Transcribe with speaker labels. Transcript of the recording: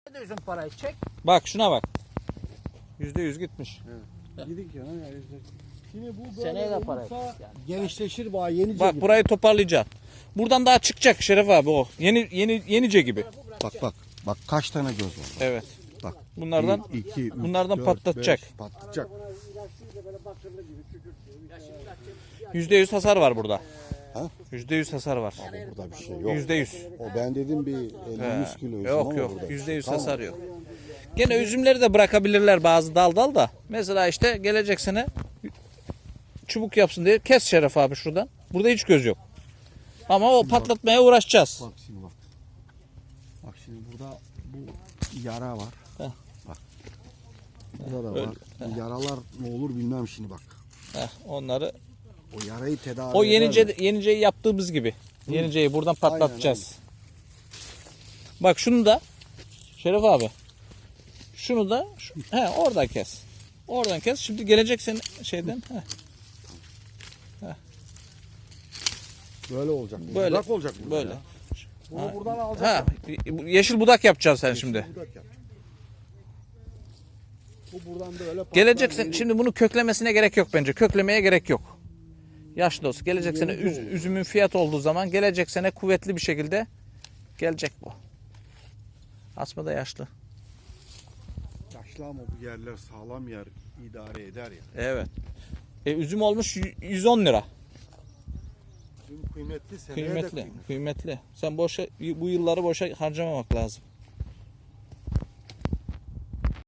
Speaker 1: Ne diyorsun parayı çek.
Speaker 2: Bak şuna bak. %100 gitmiş.
Speaker 3: Evet. Gidik ya. Şimdi bu böyle
Speaker 1: Seneye de para
Speaker 3: olursa
Speaker 1: yapacağız yani.
Speaker 3: genişleşir bağ yenice
Speaker 2: Bak
Speaker 3: gibi.
Speaker 2: burayı toparlayacaksın. Buradan daha çıkacak Şeref abi o. Yenice gibi.
Speaker 3: Bak. Bak kaç tane göz var.
Speaker 2: Evet.
Speaker 3: Bak.
Speaker 2: Bunlardan
Speaker 3: 1, 2, 3,
Speaker 2: bunlardan
Speaker 3: 4,
Speaker 2: patlatacak.
Speaker 3: 5, patlatacak.
Speaker 2: %100 hasar var burada.
Speaker 3: Ha?
Speaker 2: %100 hasar var.
Speaker 3: Burada bir şey yok.
Speaker 2: %100.
Speaker 3: O ben dedim bir 50-100 kilo üzüm
Speaker 2: Yok
Speaker 3: ama
Speaker 2: yok.
Speaker 3: burada.
Speaker 2: %100
Speaker 3: Tamam.
Speaker 2: hasar yok. Gene üzümleri de bırakabilirler bazı dal da. Mesela işte gelecek sene çubuk yapsın diye kes Şeref abi şuradan. Burada hiç göz yok. Ama o patlatmaya uğraşacağız.
Speaker 3: Bak şimdi bak. Bak şimdi burada bu yara var.
Speaker 2: Heh.
Speaker 3: Bak. Burada da var. Bu yaralar ne olur bilmem şimdi bak.
Speaker 2: Onları
Speaker 3: O yarayı tedavi
Speaker 2: o
Speaker 3: eder mi?
Speaker 2: yeniceyi yaptığımız gibi. Yeniceyi buradan patlatacağız. Bak şunu da Şeref abi. Şunu da oradan kes. Oradan kes. Şimdi gelecek sene şeyden.
Speaker 3: Böyle olacak.
Speaker 2: Böyle.
Speaker 3: Budak olacak burada
Speaker 2: Böyle.
Speaker 3: ya. Bunu buradan alacak.
Speaker 2: Yeşil budak yapacaksın sen şimdi.
Speaker 3: Budak yapacak. Bu buradan böyle patlar.
Speaker 2: Gelecek sene şimdi bunu köklemesine gerek yok bence. Köklemeye gerek yok. Yaşlı olsun. Gelecek sene üzümün fiyat olduğu zaman gelecek sene kuvvetli bir şekilde gelecek bu. Asma da yaşlı.
Speaker 3: Yaşlı ama bu yerler sağlam yer idare eder ya.
Speaker 2: Evet. Üzüm olmuş 110 lira.
Speaker 3: Üzüm kıymetli, seneye de
Speaker 2: Kıymetli. Kıymetli. Sen bu yılları boşa harcamamak lazım.